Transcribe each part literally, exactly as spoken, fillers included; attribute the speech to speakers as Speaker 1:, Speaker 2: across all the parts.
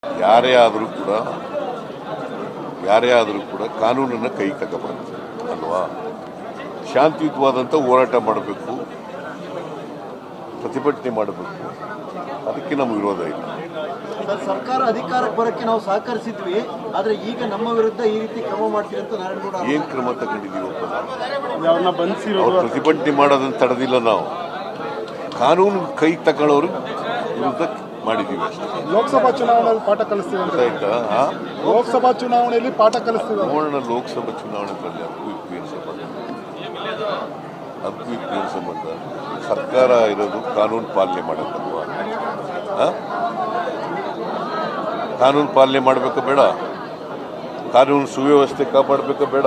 Speaker 1: ಯಾರೇ ಆದರೂ ಕೂಡ ಯಾರೇ ಆದರೂ ಕೂಡ ಕಾನೂನನ್ನು ಕೈಗೆ ತಗೋಬಾರ್ದು ಅಲ್ವಾ. ಶಾಂತಿಯುತವಾದಂಥ ಹೋರಾಟ ಮಾಡಬೇಕು, ಪ್ರತಿಭಟನೆ ಮಾಡಬೇಕು, ಅದಕ್ಕೆ ನಮ್ಮ ವಿರೋಧ ಇಲ್ಲ.
Speaker 2: ಸರ್ಕಾರ ಅಧಿಕಾರಕ್ಕೆ ಬರೋಕ್ಕೆ ನಾವು ಸಹಕರಿಸಿದ್ವಿ, ಆದರೆ ಈಗ ನಮ್ಮ ವಿರುದ್ಧ ಈ ರೀತಿ ಕ್ರಮ ಮಾಡ್ತೀವಿ ಅಂತ ನಾರಾಯಣಗೌಡ
Speaker 1: ಏನು ಕ್ರಮ ತಗೊಂಡಿದ್ದೀವಪ್ಪ ನಾವು? ಅವ್ರು ಪ್ರತಿಭಟನೆ ಮಾಡೋದನ್ನು ತಡೆದಿಲ್ಲ, ನಾವು ಕಾನೂನು ಕೈ ತಗೊಳ್ಳೋರು ವಿರುದ್ಧ ಮಾಡಿದ್ದೀವಿ ಅಷ್ಟೇ.
Speaker 3: ಲೋಕಸಭಾ ಚುನಾವಣೆಯಲ್ಲಿ ಪಾಠ ಕಲಿಸ್ತೀವಿ ಅಂತ
Speaker 1: ಆಯ್ತಾ?
Speaker 3: ಲೋಕಸಭಾ ಚುನಾವಣೆಯಲ್ಲಿ ಪಾಠ ಕಲಿಸ್ತೀವಿ.
Speaker 1: ನೋಡೋಣ, ಲೋಕಸಭಾ ಚುನಾವಣೆಗಳಲ್ಲಿ ಅದಕ್ಕೂ ಇದಕ್ಕೂ ಏನು ಸಂಬಂಧ? ಅದಕ್ಕೂ ಇದಕ್ಕೂ ಏನು ಸಂಬಂಧ? ಸರ್ಕಾರ ಇರೋದು ಕಾನೂನು ಪಾಲನೆ ಮಾಡೋಕ್ಕಲ್ವಾ? ಕಾನೂನು ಪಾಲನೆ ಮಾಡಬೇಕು ಬೇಡ? ಕಾನೂನು ಸುವ್ಯವಸ್ಥೆ ಕಾಪಾಡಬೇಕು ಬೇಡ?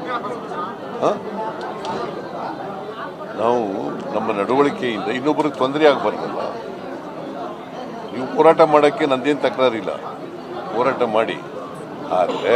Speaker 1: ನಾವು ನಮ್ಮ ನಡವಳಿಕೆಯಿಂದ ಇನ್ನೊಬ್ಬರಿಗೆ ತೊಂದರೆ ಆಗಬಾರ್ದಲ್ಲ. ನೀವು ಹೋರಾಟ ಮಾಡೋಕ್ಕೆ ನಂದೇನು ತಕರಾರಿಲ್ಲ, ಹೋರಾಟ ಮಾಡಿ. ಆದರೆ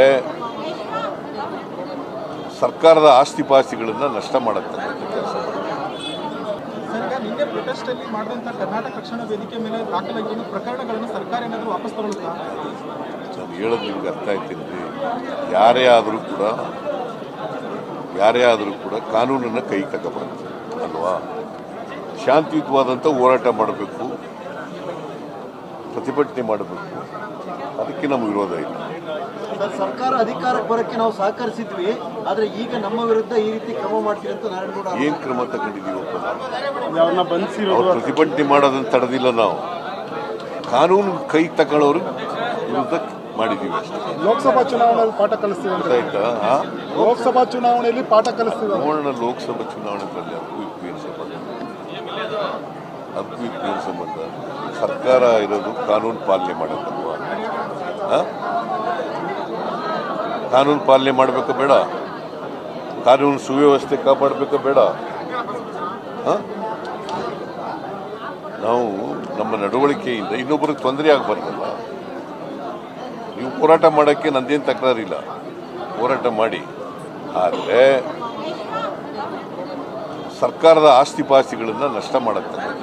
Speaker 1: ಸರ್ಕಾರದ ಆಸ್ತಿ ಪಾಸ್ತಿಗಳನ್ನು ನಷ್ಟ ಮಾಡತಕ್ಕಂಥ ಕೆಲಸ ಮಾಡಿ.
Speaker 4: ನಿನ್ನೆ ಪ್ರೊಟೆಸ್ಟ್ ಅಲ್ಲಿ ಮಾಡಿದಂತ ಕರ್ನಾಟಕ ರಕ್ಷಣಾ ವೇದಿಕೆ ಮೇಲೆ ದಾಖಲಾಗಿರುವ ಪ್ರಕರಣಗಳನ್ನು ಸರ್ಕಾರ ಏನಾದರೂ ವಾಪಸ್ ತಗೊಳ್ಳುತ್ತಾ?
Speaker 1: ನಾನು ಹೇಳೋದು ನಿಮ್ಗೆ ಅರ್ಥ ಆಯ್ತೀನಿ. ಯಾರೇ ಆದರೂ ಕೂಡ ಯಾರೇ ಆದರೂ ಕೂಡ ಕಾನೂನನ್ನು ಕೈಗೆ ತಗೋಬಾರ್ದು ಅಲ್ವಾ. ಶಾಂತಿಯುತವಾದಂಥ ಹೋರಾಟ ಮಾಡಬೇಕು, ಪ್ರತಿಭಟನೆ ಮಾಡಬೇಕು, ಅದಕ್ಕೆ ನಮ್ಮ ವಿರೋಧ ಇಲ್ಲ.
Speaker 2: ಸರ್ಕಾರ ಅಧಿಕಾರಕ್ಕೆ ಬರೋಕ್ಕೆ ನಾವು ಸಹಕರಿಸಿದ್ವಿ, ಆದರೆ ಈಗ ನಮ್ಮ ವಿರುದ್ಧ ಈ ರೀತಿ ಕ್ರಮ ಮಾಡ್ತೀವಿ ಅಂತ ನಾರಾಯಣಗೌಡ
Speaker 1: ಏನು ಕ್ರಮ ತಗೊಂಡಿದ್ದೀವಪ್ಪ ನಾವು? ಅವ್ರು ಪ್ರತಿಭಟನೆ ಮಾಡೋದನ್ನು ತಡೆದಿಲ್ಲ, ನಾವು ಕಾನೂನು ಕೈ ತಗೊಳ್ಳೋರು ವಿರುದ್ಧ ಮಾಡಿದ್ದೀವಿ ಅಷ್ಟೇ.
Speaker 3: ಲೋಕಸಭಾ ಚುನಾವಣೆಯಲ್ಲಿ ಪಾಠ ಕಲಿಸ್ತೀವಿ ಅಂತ
Speaker 1: ಆಯ್ತಾ?
Speaker 3: ಲೋಕಸಭಾ ಚುನಾವಣೆಯಲ್ಲಿ ಪಾಠ ಕಲಿಸ್ತೀವಿ.
Speaker 1: ನೋಡೋಣ, ಲೋಕಸಭಾ ಚುನಾವಣೆಗಳಲ್ಲಿ ಅದಕ್ಕೂ ಇದಕ್ಕೂ ಏನು ಸಂಬಂಧ? ಅದಕ್ಕೂ ಇದಕ್ಕೂ ಏನು ಸಂಬಂಧ? ಸರ್ಕಾರ ಇರೋದು ಕಾನೂನು ಪಾಲನೆ ಮಾಡೋಕ್ಕಲ್ವಾ? ಕಾನೂನು ಪಾಲನೆ ಮಾಡಬೇಕು ಬೇಡ? ಕಾನೂನು ಸುವ್ಯವಸ್ಥೆ ಕಾಪಾಡಬೇಕು ಬೇಡ? ನಾವು ನಮ್ಮ ನಡವಳಿಕೆಯಿಂದ ಇನ್ನೊಬ್ಬರಿಗೆ ತೊಂದರೆ ಆಗಬಾರ್ದಲ್ಲ. ನೀವು ಹೋರಾಟ ಮಾಡೋಕ್ಕೆ ನಂದೇನು ತಕರಾರಿಲ್ಲ, ಹೋರಾಟ ಮಾಡಿ. ಆದರೆ ಸರ್ಕಾರದ ಆಸ್ತಿ ಪಾಸ್ತಿಗಳನ್ನು ನಷ್ಟ ಮಾಡತಕ್ಕಂಥ